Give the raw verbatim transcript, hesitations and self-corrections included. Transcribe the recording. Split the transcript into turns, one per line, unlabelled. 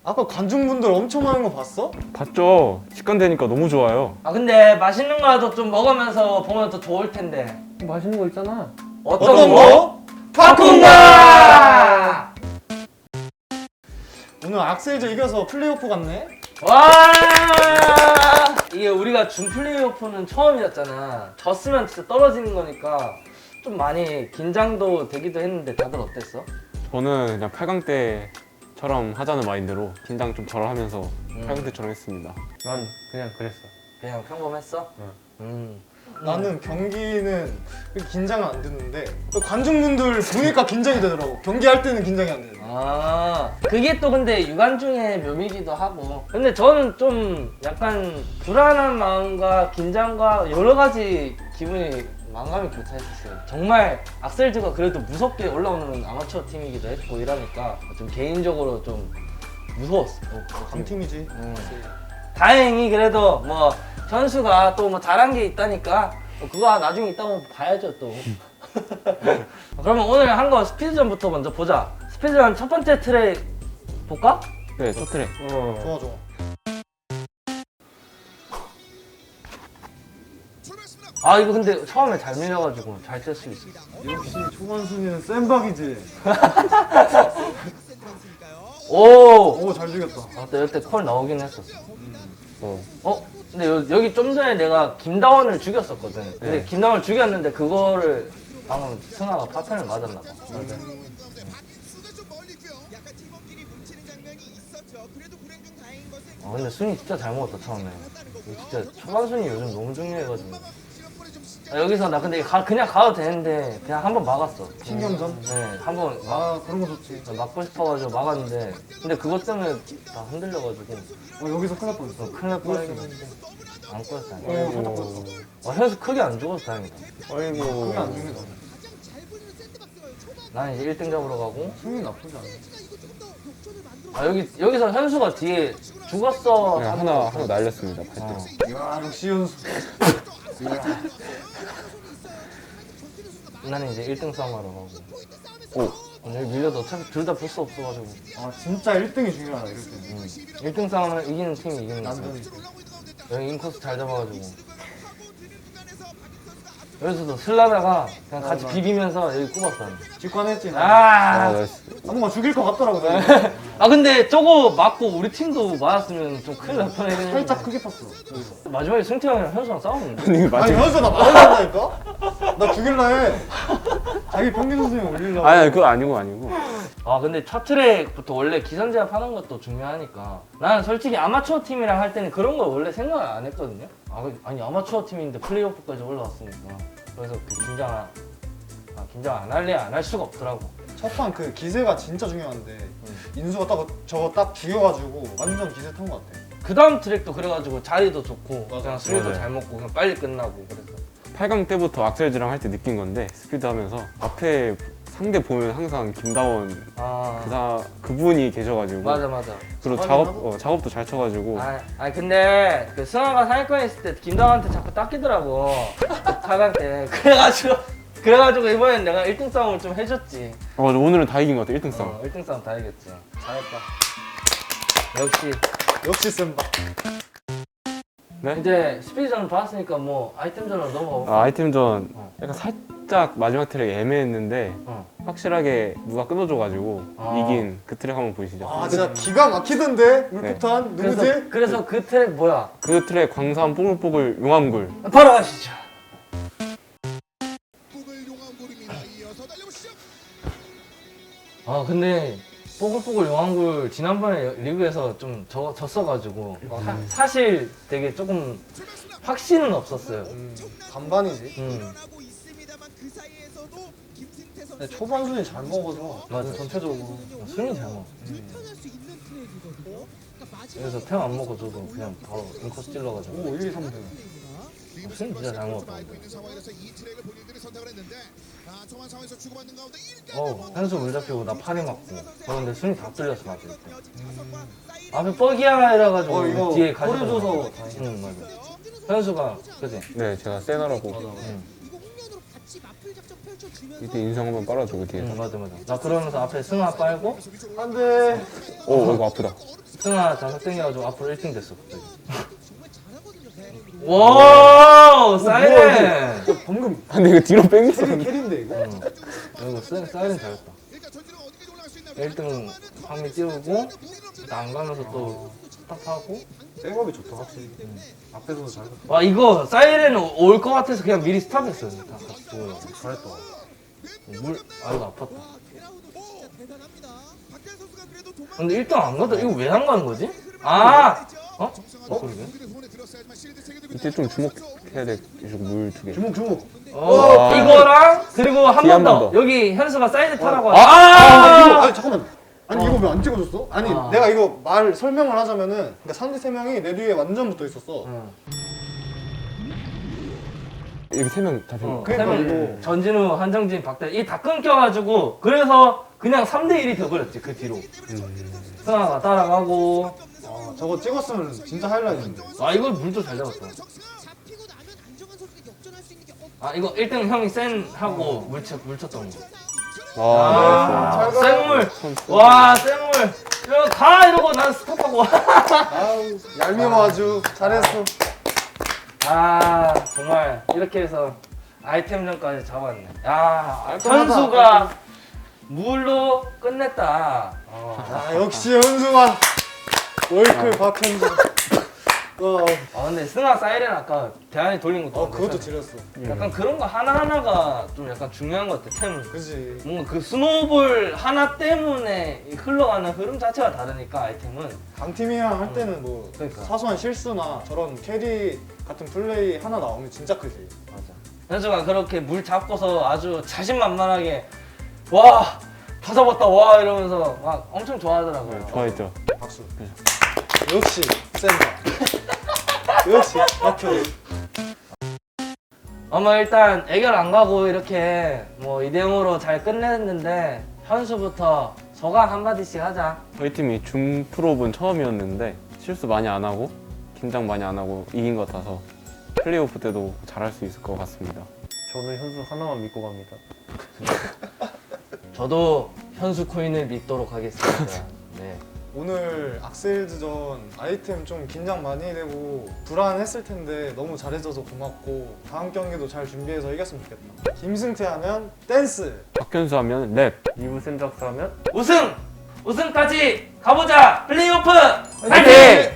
아까 관중분들 엄청 많은 거 봤어?
봤죠? 직관되니까 너무 좋아요.
아 근데 맛있는 거라도 좀 먹으면서 보면 더 좋을 텐데.
맛있는 거 있잖아.
어떤,
어떤
거?
거?
파쿠가!
오늘 악셀즈 이겨서 플레이오프 갔네?
와! 이게 우리가 준 플레이오프는 처음이었잖아. 졌으면 진짜 떨어지는 거니까 좀 많이 긴장도 되기도 했는데 다들 어땠어?
저는 그냥 팔 강 때처럼 하자는 마인드로 긴장 좀 덜 하면서
음.
팔 강 때처럼 했습니다.
난 그냥 그랬어.
그냥 평범했어?
응.
음.
나는 경기는 그렇게 긴장은 안 됐는데 관중분들 보니까 긴장이 되더라고. 경기할 때는 긴장이 안 되더라고.
아 그게 또 근데 유관중의 묘미기도 하고. 근데 저는 좀 약간 불안한 마음과 긴장과 여러 가지 기분이 만감이 교차했었어요. 정말 악셀즈가 그래도 무섭게 올라오는 아마추어 팀이기도 했고 이러니까 좀 개인적으로 좀 무서웠어.
강팀이지.
음. 다행히 그래도 뭐 현수가 또 뭐 잘한 게 있다니까 뭐 그거 나중에 있다고 봐야죠 또. 그러면 오늘 한 거 스피드전부터 먼저 보자. 스피드전 첫 번째 트랙 볼까?
네, 첫 트랙.
어.
좋아 좋아.
아 이거 근데 처음에 잘 밀려가지고 잘 뜰 수 있어.
역시 초반 순위는 센박이지.
오!
오 잘 죽였다.
아, 또 이때 콜 나오긴 했었어. 어. 어? 근데 여, 여기 좀 전에 내가 김다원을 죽였었거든. 근데
네.
김다원을 죽였는데 그거를 방금 승아가 파탄을 맞았나 봐. 맞아. 아 근데 순위 진짜 잘 먹었다 처음에. 이거 진짜 초반 순위 요즘 너무 중요해가지고. 아, 여기서 나 근데 가, 그냥 가도 되는데 그냥 한 번 막았어.
신경전?
네, 한 번 막,
아 그런 거 좋지.
막고 싶어가지고 막았는데 근데 그것 때문에 다 흔들려가지고
어, 여기서 큰일 날 뻔했어.
어, 큰일 날 뻔했는데 안 꺼졌어 다행이다.
어 살짝 뻔했어.
와 현수 크게 안 죽어서 다행이다.
아이고.
크게 안 죽네 나는.
나는 이제 일 등 잡으러 가고
승리 나쁘지 않아.
아 여기 여기서 현수가 뒤에 죽었어.
네, 하나 하나 날렸습니다. 팔 등.
어.
이야 역시 연수.
나는 이제 일 등 싸움하러 가고.
오.
오늘 밀려도 어차피 둘 다 부스 없어가지고.
아 진짜 일 등이 중요하다 이럴 때는.
음. 일 등 싸움은 이기는 팀이 이기는 거야.
남편이.
여기 인코스 잘 잡아가지고. 여기서도 슬라다가 그냥 같이
어, 나-
비비면서 여기 꼽았어.
직관했지. 나.
아.
아, 나이스.
아 뭔가 죽일 것 같더라고. 나.
아 근데 저거 맞고 우리 팀도 맞았으면 좀 큰일 날 뻔했는데.
살짝 크게 팠어. 여기서.
마지막에 승태 형이랑 현수랑 싸웠는데.
아니,
아니
맞아.
현수 나 맞아준다니까? 나 죽일라 해. 자기 평균 수준에 올리려고.
아니, 그거 아니고 아니고.
아 근데 첫 트랙부터 원래 기선 제압하는 것도 중요하니까 나는 솔직히 아마추어 팀이랑 할 때는 그런 거 원래 생각 안 했거든요. 아, 아니 아마추어 팀인데 플레이오프까지 올라왔으니까 그래서 그 긴장 안, 아, 긴장 안 할래 안 할 수가 없더라고.
첫판 그 기세가 진짜 중요한데 인수가 딱 저거 딱 죽여가지고 완전 기세 탄 것 같아.
그 다음 트랙도 그래가지고 자리도 좋고
맞아.
그냥 술도
맞아요.
잘 먹고 그냥 빨리 끝나고 그래서
팔 강 때부터 악셀즈랑 할 때 느낀 건데 스피드 하면서 앞에 상대 보면 항상 김다원
아
그사 그분이 계셔가지고
맞아 맞아.
그리고
작업이
작업
하고?
어, 작업도 잘 쳐가지고
아, 아 근데 그 승아가 상위권에 있을 때 김다원한테 자꾸 닦이더라고. 팔 강 때 그래가지고 그래가지고 이번엔 내가 일 등 싸움을 좀 해줬지.
어, 맞아. 오늘은 다 이긴 것 같아. 일 등 싸움.
어, 일 등 싸움 다 이겼지.
잘했다.
역시
역시 센박.
네?
이제 스피드전 봤으니까 뭐 아이템전으로 넘어가.
아, 아이템전
어.
약간 살짝 마지막 트랙 애매했는데
어.
확실하게 누가 끊어줘가지고
아.
이긴 그 트랙 한번 보이시죠?
아 진짜 기가 막히던데 물폭탄 누구지?
그래서 그래서 그 트랙 뭐야?
그 트랙 광산 뽀글뽀글 용암굴.
바로 가시죠. 아 근데 뽀글뽀글 용왕굴 지난번에 리그에서 좀 져, 졌어가지고 사, 사실 되게 조금 확신은 없었어요.
음, 반반이지.
음.
근데 초반 순위 잘 먹어서
맞아.
전체적으로.
순위 잘 먹어. 그래서 템 안 먹고 저도 그냥 바로 인코스 찔러가지고
오 일, 이, 삼 등.
순위 진짜 잘 먹었다. 어, 현수 물 잡히고 나 팔이 맞고. 어, 근데 순위 다 뚫렸어, 맞을 때. 앞에 뻐기야 이래가지고
어 이거
뒤에
꼬리
가지고.
줘서 다행이다.
응, 맞아. 현수가, 그지?
네, 제가 세너라고.
응.
이거 홍련으로 같이 맞풀 작전 펼쳐
이때 인상 한번 빨아주고 뒤에서.
응, 맞아 맞아. 나 그러면서 앞에 승아 빨고
안돼.
오 이거 아프다.
승아 자석 땡겨가지고 앞으로 일 등 됐어 갑자기. 와 사이렌.
방금
아, 근데 이거 뒤로 뺑겼어.
캐리 캐리인데 이거.
응. 이거 사- 사이렌 잘했다. 일 등 황미 띄우고 안 가면서 또 스탑하고.
백업이 좋다 확실히. 앞에서도 잘.
와 이거 사이렌 올 것 같아서 그냥 미리 스탑했어요. 다 같이 보고.
잘했다.
물, 아 이거 아팠다. 근데 일 등 안 가다 이거 왜 안 가는 거지? 아! 어? 어? 그러게?
이때 좀 주목해야 돼. 이쪽 물 두 개.
주목 주목.
어,
아.
이거랑 그리고 한
뒤에
번
한
더.
번 더.
여기 현수가 사이드 타라고
아!
하자.
아 이거 아니 잠깐만. 아니 이거 왜 안 찍어줬어? 아니
아.
내가 이거 말 설명을 하자면은 그러니까 상대 세 명이 내 뒤에 완전 붙어 있었어.
응.
여기 세 명 잡힌
어,
거.
그러니까
세 명.
이거-
전진우, 한정진, 박대 이 다 끊겨가지고 그래서 그냥 삼 대 일이 돼버렸지 그 뒤로. 승아가 따라가고.
아 저거 찍었으면 진짜 하이라이트인데.
아 이거 물도 잘 잡았다. 아 이거 일 등 형이 센 하고 물, 쳐, 물 쳤던 거.
아,
아,
잘 가.
생물. 와, 생물. 이거 가 이러고 난 스톱하고.
아우 얄미워 아주 잘했어.
아, 정말 이렇게 해서 아이템전까지 잡았네. 야,
깔끔하다.
현수가 물로 끝냈다. 어.
아 역시 현수가 월클 박현준. 어,
아, 근데 승아 사이렌 아까 대안이 돌린 것도
어 그것도
괜찮아.
지렸어.
약간 그런 거 하나하나가 좀 약간 중요한 것 같아, 템.
그지.
뭔가 그 스노우볼 하나 때문에 이 흘러가는 흐름 자체가 다르니까 아이템은.
강팀이랑 할 때는 뭐
그러니까.
사소한 실수나 저런 캐리 같은 플레이 하나 나오면 진짜 크지.
맞아. 현수가 그렇게 물 잡고서 아주 자신만만하게 와, 다 잡았다 와 이러면서 막 엄청 좋아하더라고요.
좋아했죠.
박수. 역시 센터. 역시 박현.
어머 일단 애결 안 가고 이렇게 뭐 이 대 영으로 잘 끝냈는데 현수부터 소감 한마디씩 하자.
저희 팀이 준 프로분 처음이었는데 실수 많이 안 하고 긴장 많이 안 하고 이긴 것 같아서 플레이오프 때도 잘할 수 있을 것 같습니다.
저는 현수 하나만 믿고 갑니다.
저도 현수 코인을 믿도록 하겠습니다. 네.
오늘 악셀즈전 아이템 좀 긴장 많이 되고 불안했을 텐데 너무 잘해줘서 고맙고 다음 경기도 잘 준비해서 이겼으면 좋겠다. 김승태 하면 댄스.
박현수 하면 랩.
이부 센작스 하면
우승! 우승까지 가보자! 플레이오프!
화이팅!